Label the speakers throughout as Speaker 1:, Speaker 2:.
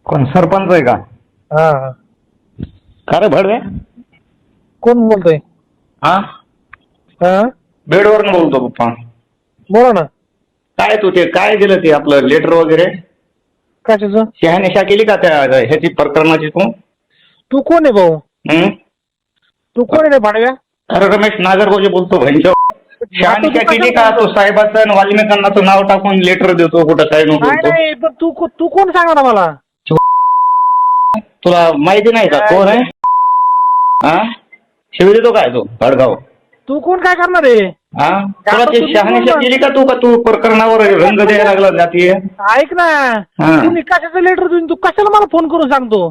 Speaker 1: कोण सरपंच आहे का?
Speaker 2: हा हा.
Speaker 1: का रे भडवे?
Speaker 2: कोण बोलतोय?
Speaker 1: हा,
Speaker 2: हा,
Speaker 1: बेडवरून बोलतो पप्पा.
Speaker 2: बोला ना.
Speaker 1: काय तू ते काय दिलं ते आपलं लेटर वगैरे
Speaker 2: कशाचं?
Speaker 1: शहानिशा केली का त्या ह्याची प्रकरणाची तू?
Speaker 2: तू कोण आहे भाऊ?
Speaker 1: हं?
Speaker 2: तू कोण आहे रे भाडव्या?
Speaker 1: अरे रमेश नागरगोजे बोलतो. भैंच्या शहानिशा केली का? तो साहेबाचं आणि वाल्मिकांनाचं नाव टाकून लेटर देतो कुठं काय नको
Speaker 2: नाही
Speaker 1: बोलतो.
Speaker 2: नाही, पण तू कोण सांगणार मला?
Speaker 1: तुला माहिती नाही का कोण आहे? हा, शिवी देतो काय तू भडगाव?
Speaker 2: तू कोण काय करणार आहे?
Speaker 1: हा, तुला ते शहानिशा केली का तू प्रकरणावर रंग द्यायला लागला जातीय?
Speaker 2: ऐक ना,
Speaker 1: हा.
Speaker 2: तुम्ही कशाचं लेटर देऊन तू कशाला मला फोन करून सांगतो?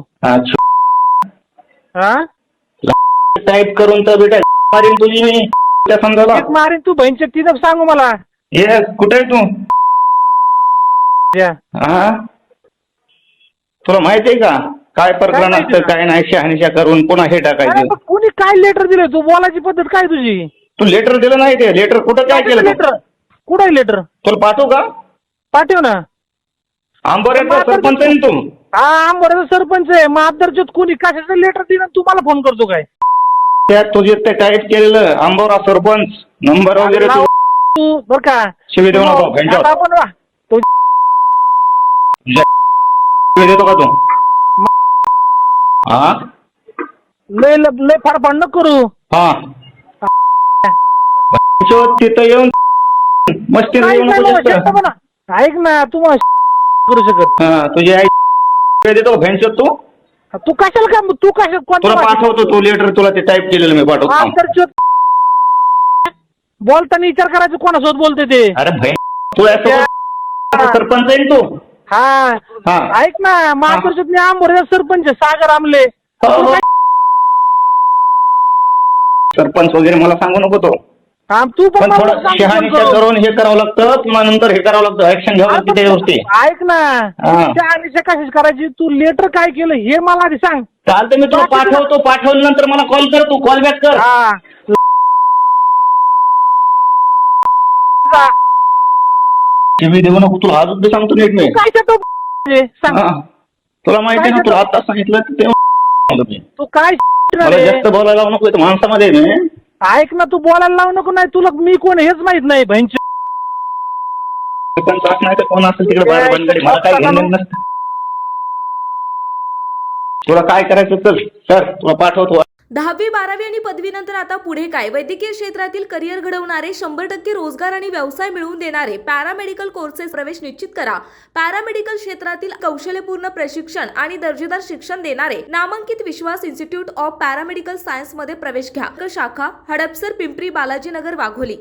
Speaker 2: हा,
Speaker 1: टाईप करून तर बेटा मारीन तुझी मी त्या समजायला.
Speaker 2: एक मारीन तू बहिणच्या तिथं सांगू मला.
Speaker 1: ये कुठे आहे तू?
Speaker 2: या.
Speaker 1: हा, तुला माहिती आहे का काय प्रकरण
Speaker 2: माहिती
Speaker 1: असतं काय नाही? शहानिशा करून पुन्हा हे
Speaker 2: अरे
Speaker 1: टाकायचं.
Speaker 2: पण कोणी काय लेटर दिलं? तू बोलायची पद्धत काय तुझी?
Speaker 1: तू लेटर दिलं नाही ते लेटर कुठं काय केलं तू?
Speaker 2: लेटर कुठं आहे लेटर?
Speaker 1: तुला पाठवू का?
Speaker 2: पाठव ना.
Speaker 1: आंबोऱ्याचा सरपंच आहे ना तू?
Speaker 2: हा, आंबोऱ्याचा सरपंच आहे. माधरच्यात कोणी कशाचं लेटर दिलं तू मला फोन करतो काय?
Speaker 1: त्यात तुझे ते टाईप केलेलं आंबोरा सरपंच नंबर वगैरे तू
Speaker 2: तू बर का
Speaker 1: शिवी देऊ नको घंटा.
Speaker 2: आपण वा. तो
Speaker 1: शिवी देतो का तू? हा,
Speaker 2: लय लय फाडफाड नको करू.
Speaker 1: हा, तिथं येऊन मस्ती
Speaker 2: नाही,
Speaker 1: येऊ नको
Speaker 2: नाही,
Speaker 1: जास्त.
Speaker 2: शांत बना. ऐक ना, तू मला करू शकत.
Speaker 1: हा, तुझी आई शिवी देतो भेंचोद तू?
Speaker 2: तू कशाला काय? तू कशा
Speaker 1: तुला पाठवतो तू लेटर, तुला ते टाईप केलेलं मी पाठवतो.
Speaker 2: बोलताना विचार करायचं कोणासोबत बोलते ते.
Speaker 1: अरे भाई तू सरपंच आहे ना तू?
Speaker 2: हा,
Speaker 1: हा.
Speaker 2: ऐक ना, महापुरुषात मी आंबोऱ्याचा सरपंच आहे, सागर आमले.
Speaker 1: हो. सरपंच वगैरे मला सांगू नको तो.
Speaker 2: हा, तू पण
Speaker 1: पण
Speaker 2: मला
Speaker 1: थोडं
Speaker 2: सांग
Speaker 1: शहानिशा
Speaker 2: फोन करून.
Speaker 1: करून हे करावं लागतं, पुन्हा नंतर हे करावं लागतं, ऍक्शन घ्यावं लागतं त्या गोष्टी.
Speaker 2: ऐक ना,
Speaker 1: हा.
Speaker 2: शहानिशा कशाची करायची? तू लेटर काय केलं हे मला आधी सांग.
Speaker 1: चालतं मी तुला पाठवतो, पाठवल्यानंतर मला कॉल कर, तू कॉल बॅक कर.
Speaker 2: हा,
Speaker 1: टीव्ही देऊ नको तुला अजून बी सांगतो नीट मी.
Speaker 2: काय करतो सांग.
Speaker 1: हा. तुला माहिती आहे ना, तुला आता सांगितलं तेव्हा मी.
Speaker 2: तू काय
Speaker 1: मला जास्त बोलायला लावू नको, इथं माणसामध्ये आहे मी.
Speaker 2: ऐक ना, तू बोलायला लावू नको. नाही तुला मी कोण हेच माहित नाही बहिणची.
Speaker 1: नाही तर कोण असेल तिकडे बाहेर बनगडी, मला काय घेणं नसतं. तुला काय करायचं चल सर, तुला पाठवतो.
Speaker 3: 10वी 12वी आणि पदवीनंतर आता पुढे काय? वैद्यकीय क्षेत्रातील करिअर घडवणारे 100% रोजगार आणि व्यवसाय मिळवून देणारे पॅरामेडिकल कोर्सेस प्रवेश निश्चित करा. पॅरामेडिकल क्षेत्रातील कौशल्यपूर्ण प्रशिक्षण आणि दर्जेदार शिक्षण देणारे नामांकित Vishwas institute of paramedical science मध्ये प्रवेश घ्या. शाखा हडपसर, पिंपरी, बालाजीनगर, वाघोली.